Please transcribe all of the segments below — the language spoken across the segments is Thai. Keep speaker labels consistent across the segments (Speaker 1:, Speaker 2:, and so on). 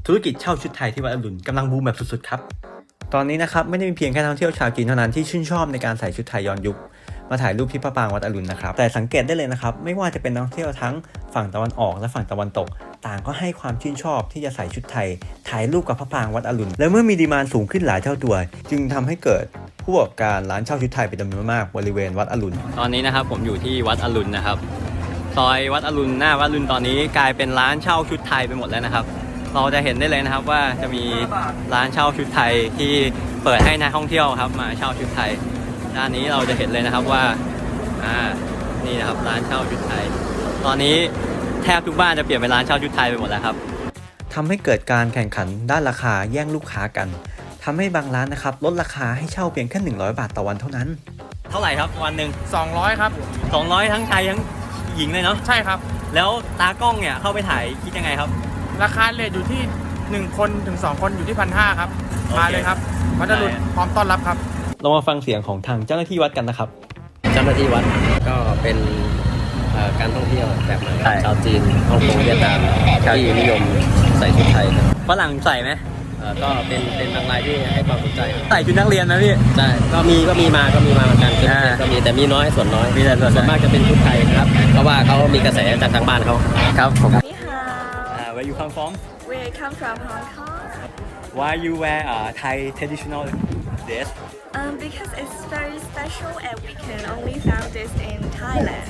Speaker 1: ธุรกิจเช่าชุดไทยที่วัดอรุณกำลังบูมแบบสุดๆครับตอนนี้นะครับไม่ได้มีเพียงแค่นักท่องเที่ยวชาวจีนเท่านั้นที่ชื่นชอบในการใส่ชุดไทยย้อนยุคมาถ่ายรูปที่พระปรางวัดอรุณนะครับแต่สังเกตได้เลยนะครับไม่ว่าจะเป็นนักท่องเที่ยวทั้งฝั่งตะวันออกและฝั่งตะวันตกต่างก็ให้ความชื่นชอบที่จะใส่ชุดไทยถ่ายรูปกับพระปรางวัดอรุณและเมื่อมีดีมานด์สูงขึ้นหลายเท่าตัวจึงทำให้เกิดผู้ประกอบการร้านเช่าชุดไทยเป็นจำนวนมากบริเวณวัดอรุณตอนนี้นะครับผมอยู่ที่วัดอรุณนะครับซอยวัดอรุณหน้าวัดอรุณตอนนี้กลายเป็นร้านเช่าชุดไทยไปหมดแล้วนะครับเราจะเห็นได้เลยนะครับว่าจะมีร้านเช่าชุดไทยที่เปิดให้นักท่องเที่ยวครับมาเช่าชุดไทยด้านนี้เราจะเห็นเลยนะครับว่านี่นะครับร้านเช่าชุดไทยตอนนี้แทบทุกบ้านจะเปลี่ยนเป็นร้านเช่าชุดไทยไปหมดแล้วครับทำให้เกิดการแข่งขันด้านราคาแย่งลูกค้ากันทำให้บางร้านนะครับลดราคาให้เช่าเพียงแค่100 บาทต่อวันเท่านั้นเท่าไหร่ครับวันหนึ่ง
Speaker 2: 200ครับ
Speaker 1: 200ทั้งชายทั้งหญิงเลยเนาะ
Speaker 2: ใช่ครับ
Speaker 1: แล้วตากล้องเนี่ยเข้าไปถ่ายคิดยังไงครับ
Speaker 2: ราคาเลทอยู่ที่1คนถึง2คนอยู่ที่ 1,500 ครับมาเลยครับวัดอรุณพร้อมต้อนรับครับ
Speaker 1: เรามาฟังเสียงของทางเจ้าหน้าที่วัดกันนะครับ
Speaker 3: เจ้าหน้าที่วัดก็เป็นการท่องเที่ยวแบบใหม่ชาวจีนฮ่องกงเวียดนามที่นิยมใส่ชุดไทยครับ
Speaker 1: ฝรั่งใส่ไหม
Speaker 3: ก็เป็นบางรายที่ให้ความสนใจ
Speaker 1: ใส่ชุดนักเรียนนะพี่
Speaker 3: ใช่ก็มีมาเหมือนกันก็มีแต่มีน้อยส่วนน้อยส่วนมากจะเป็นชุดไทยนะครับเพราะว่าเขามีกระแสจากทางบ้านเขา
Speaker 1: ครับผม
Speaker 4: 你好
Speaker 1: Where you come from
Speaker 4: We come from Hong Kong
Speaker 1: Why you wear Thai traditional dress
Speaker 4: Because it's very special and we can only found this in Thailand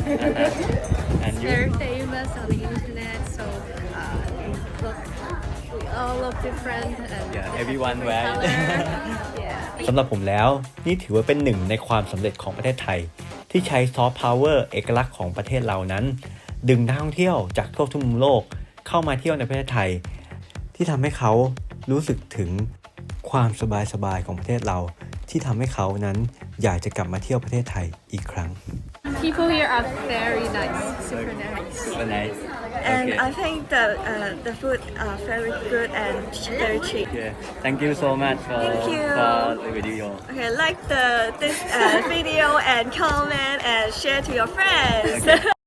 Speaker 1: And you
Speaker 5: Very famous on the internet, so look, we all look different and
Speaker 1: Yeah, everyone wear it.
Speaker 5: Yeah.
Speaker 1: สำหรับผมแล้วนี่ถือว่าเป็นหนึ่งในความสำเร็จของประเทศไทยที่ใช้ซอฟต์พาวเวอร์เอกลักษณ์ของประเทศเรานั้นดึงนักท่องเที่ยวจากทั่วทุกมุมโลกเข้ามาเที่ยวในประเทศไทยที่ทำให้เขารู้สึกถึงความสบายๆของประเทศเราที่ทำให้เขานั้นอยากจะกลับมาเที่ยวประเทศไทยอีกครั้ง
Speaker 5: People here are very nice, super nice.
Speaker 1: Super nice
Speaker 4: And I think the food are very good and very cheap
Speaker 1: Yeah Thank you so much for the video
Speaker 4: Okay like this video and comment and share to your friends